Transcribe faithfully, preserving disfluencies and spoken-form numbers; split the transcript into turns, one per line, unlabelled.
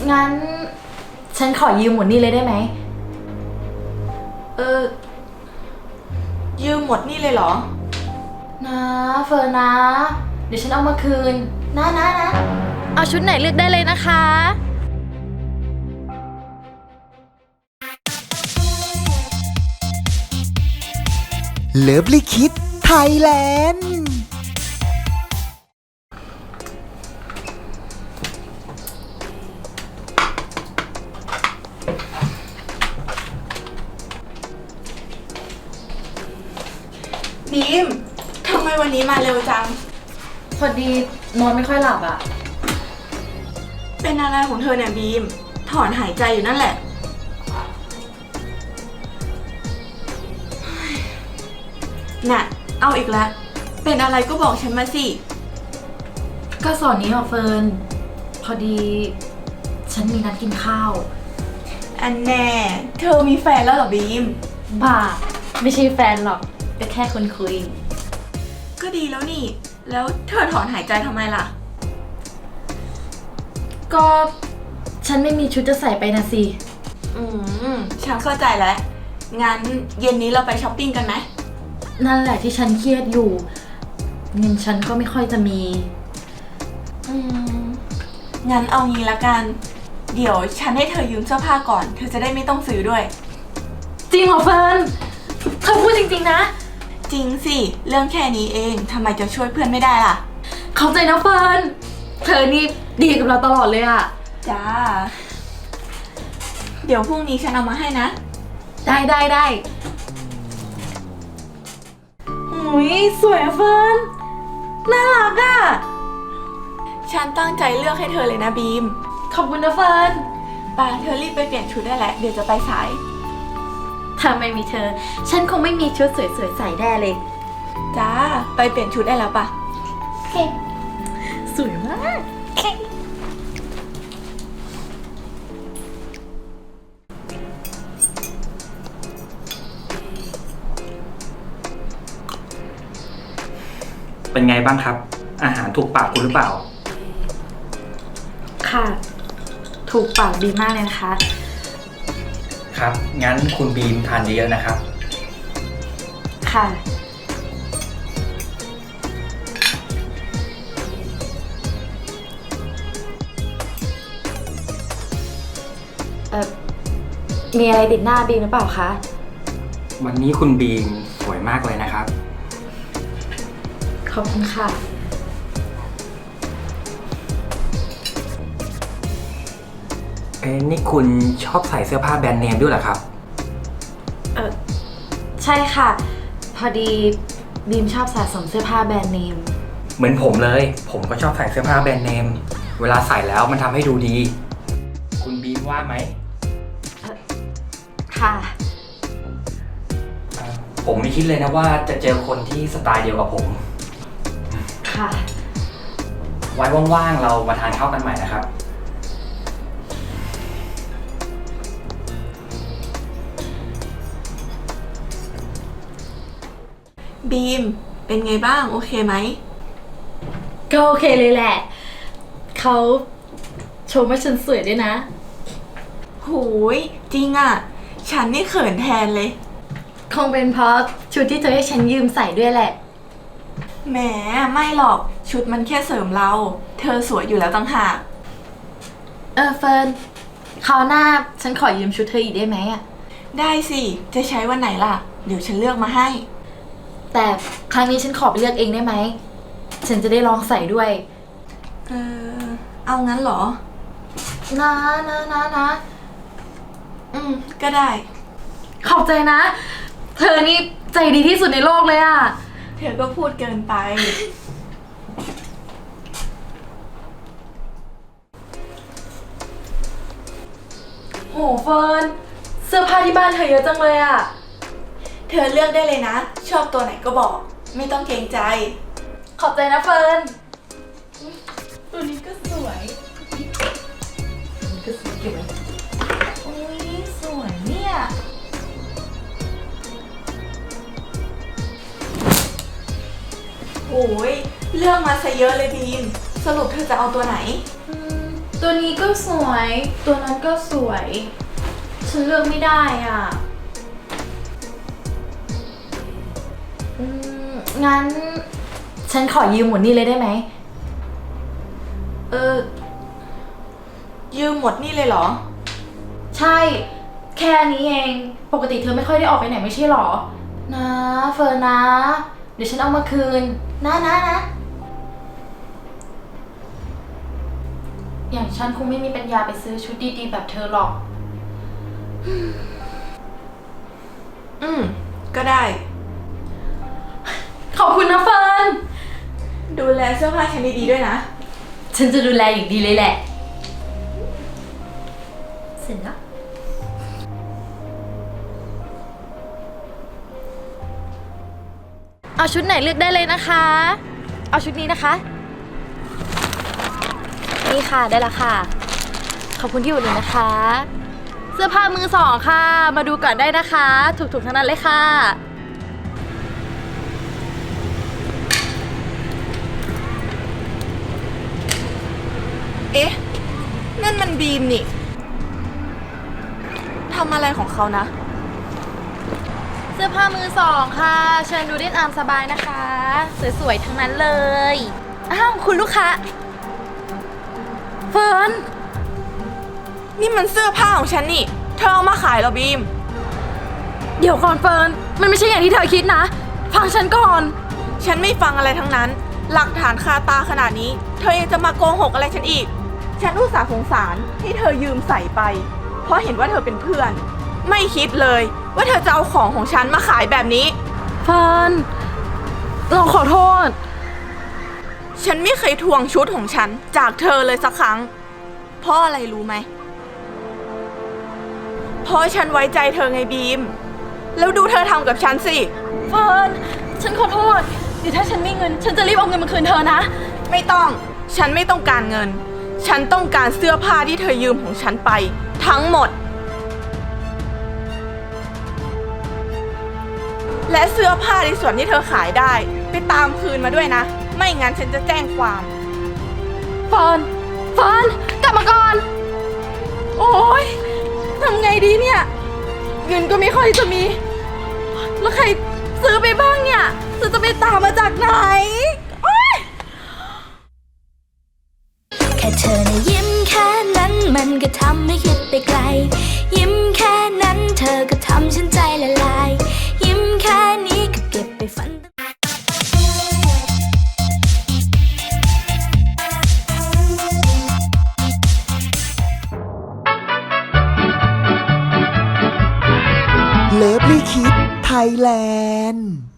งั้นฉันขอยืมหมดนี่เลยได้ไหม
เออยืมหมดนี่เลยเหรอ
นะเฟิร์นนะ เดี๋ยวฉันเอามาคืน นะนะนะ เอาชุดไหนเลือกได้เลยนะคะ
เลิฟลิคิดไทยแลนด์
บีมทำไมวันนี้มาเร็วจัง
พอดีนอนไม่ค่อยหลับอ่ะ
เป็นอะไรของเธอเนี่ยบีมถอนหายใจอยู่นั่นแหละน่ะเอาอีกแล้วเป็นอะไรก็บอกฉันมาสิ
ก็สอนนี้หรอเฟิร์นพอดีฉันมีนัดกินข้าว
อันแน่เธอมีแฟนแล้วเหรอบีม
บ้าไม่ใช่แฟนหรอกก็แค่คนคุย
ก็ดีแล้วนี่แล้วเธอถอนหายใจทำไมล่ะ
ก็ฉันไม่มีชุดจะใส่ไปนะสิ
อืมฉันเข้าใจแล้วงั้นเย็นนี้เราไปช้อปปิ้งกันไหม
นั่นแหละที่ฉันเครียดอยู่เงินฉันก็ไม่ค่อยจะมี
อืมงั้นเอางี้ละกันเดี๋ยวฉันให้เธอยืมเสื้อผ้าก่อนเธอจะได้ไม่ต้องซื้อด้วย
จริงเหรอเฟิร์นเธอพูดจริงๆนะ
จริงสิเรื่องแค่นี้เองทำไมจะช่วยเพื่อนไม่ได้ล่ะ
เข้าใจนะเฟิร์นเธอนี่ดีกับเราตลอดเลยอะ
จ้าเดี๋ยวพรุ่งนี้ฉันเอามาให้นะ
ได้ได้ได้อุ้ยสวยอะเฟิร์นน่ารักอะ
ฉันตั้งใจเลือกให้เธอเลยนะบีม
ขอบคุณนะเฟิร์น
ป่าเธอรีบไปเปลี่ยนชุดได้แล้วเดี๋ยวจะไปสาย
ถ้าไม่มีเธอฉันคงไม่มีชุดสวยๆใส่แน่เลย
จ้าไปเปลี่ยนชุดได้แล้วป่ะ
โอเคสวยมาก
เป็นไงบ้างครับอาหารถูกปากคุณหรือเปล่า
ค่ะถูกปากดีมากเลยนะคะ
ครับงั้นคุณบีมทานเยอะๆนะครับ
ค่ะเอ่อมีอะไรติดหน้าบีมหรือเปล่าคะ
วันนี้คุณบีมสวยมากเลยนะครับ
ขอบคุณค่ะ
เอ้นี่คุณชอบใส่เสื้อผ้าแบรนด์เนมด้วยเหรอครับ
เออใช่ค่ะพอดีบีมชอบสะสมเสื้อผ้าแบรนด์เนม
เหมือนผมเลยผมก็ชอบใส่เสื้อผ้าแบรนด์เนมเวลาใส่แล้วมันทำให้ดูดีคุณบีมว่าไหม
ค่ะ
ผมไม่คิดเลยนะว่าจะเจอคนที่สไตล์เดียวกับผม
ค่ะ
ไว้ว่างๆเรามาทานข้าวกันใหม่นะครับ
บีมเป็นไงบ้างโอเคไหม
ก็โอเคเลยแหละเขาชมว่าฉันสวยด้วยนะ
หูยจริงอ่ะฉันนี่เขินแทนเลย
คงเป็นเพราะชุดที่เธอให้ฉันยืมใส่ด้วยแหละ
แหมไม่หรอกชุดมันแค่เสริมเราเธอสวยอยู่แล้วต่างหาก
เออเฟิร์นคราวหน้าฉันขอยืมชุดเธออีกได้ไหมอ่ะ
ได้สิจะใช้วันไหนล่ะเดี๋ยวฉันเลือกมาให้
แต่ครั้งนี้ฉันขอไปเลือกเองได้ไหมฉันจะได้ลองใส่ด้วย
เออเอางั้นเหรอ
นะนะนะนะ
อืมก็ได้
ขอบใจนะเธอนี่ใจดีที่สุดในโลกเลยอ่ะ
เธอก็พูดเกินไป
โหเฟิร์นเสื้อผ้าที่บ้านเธอเยอะจังเลยอ่ะ
เธอเลือกได้เลยนะชอบตัวไหนก็บอกไม่ต้องเกรงใจ
ขอบใจนะเฟิร์น
ตัวนี้ก็สวย
นี่ก็สวยเก็บไว้
โอ้ยสวยเนี่ยโอ้ยเลือกมาซะเยอะเลยบีมสรุปเธอจะเอาตัวไหน
ตัวนี้ก็สวย ตัวนั้นก็สวย ฉันเลือกไม่ได้อ่ะ อืม งั้น ฉันขอยืมหมดนี่เลยได้ไหม
เออ ยืมหมดนี่เลยเหรอ
ใช่ แค่นี้เอง ปกติเธอไม่ค่อยได้ออกไปไหนไม่ใช่หรอ นะเฟิร์นนะ เดี๋ยวฉันเอามาคืน นะนะนะ อย่างฉันคงไม่มีปัญญาไปซื้อชุดดีๆแบบเธอหรอก
อืม ก็ได้
ขอบคุณนะเฟิร์น
ดูแลเสื้อผ้าฉันดีๆด้วยนะ
ฉันจะดูแลอย่างดีเลยแหละ เสร็จแล้ว เอาชุดไหนเลือกได้เลยนะคะ เอาชุดนี้นะคะ นี่ค่ะได้แล้วค่ะ ขอบคุณที่อุดหนุนนะคะ เสื้อผ้ามือสองค่ะ มาดูก่อนได้นะคะ ถูกๆทั้งนั้นเลยค่ะ
เอ๊ะ นั่นมันบีมนี่ทำอะไรของเขานะ
เสื้อผ้ามือสองค่ะ เชิญดูได้ตามสบายนะคะ สวยๆทั้งนั้นเลย อ้าวคุณลูกค้า เฟิร์น
นี่มันเสื้อผ้าของฉันนี่ เธอเอามาขายเหรอบีม
เดี๋ยวก่อนเฟิร์น มันไม่ใช่อย่างที่เธอคิดนะ ฟังฉันก่อน
ฉันไม่ฟังอะไรทั้งนั้น หลักฐานคาตาขนาดนี้ เธอยังจะมาโกหกอะไรฉันอีก ฉันอุตส่าห์สงสารให้เธอยืมใส่ไป เพราะเห็นว่าเธอเป็นเพื่อน ไม่คิดเลยว่าเธอจะเอาของของฉันมาขายแบบนี้
เฟิร์น เราขอโทษ
ฉันไม่เคยทวงชุดของฉันจากเธอเลยสักครั้ง เพราะอะไรรู้ไหม เพราะฉันไว้ใจเธอไงบีม แล้วดูเธอทำกับฉันสิ
เฟิร์น ฉันขอโทษ เดี๋ยวถ้าฉันมีเงิน ฉันจะรีบเอาเงินมาคืนเธอนะ
ไม่ต้อง ฉันไม่ต้องการเงิน ฉันต้องการเสื้อผ้าที่เธอยืมของฉันไป ทั้งหมด และเสื้อผ้าในส่วนที่เธอขายได้ ไปตามคืนมาด้วยนะ ไม่งั้นฉันจะแจ้งความ
เฟิร์น เฟิร์น กลับมาก่อน โอ๊ยทำไงดีเนี่ย เงินก็ไม่ค่อยจะมี แล้วใครซื้อไปบ้างเนี่ยจะจะไปตามมาจากไหน โอ๊ย
แค่เธอนะยิ้มแค่นั้นมันก็ทำให้คิดไปไกล ยิ้มแค่นั้นเธอก็ทำฉันใจละลาย ยิ้มแค่นี้ก็เก็บไปฝัน
เลิฟลี่คิดไทยแลนด์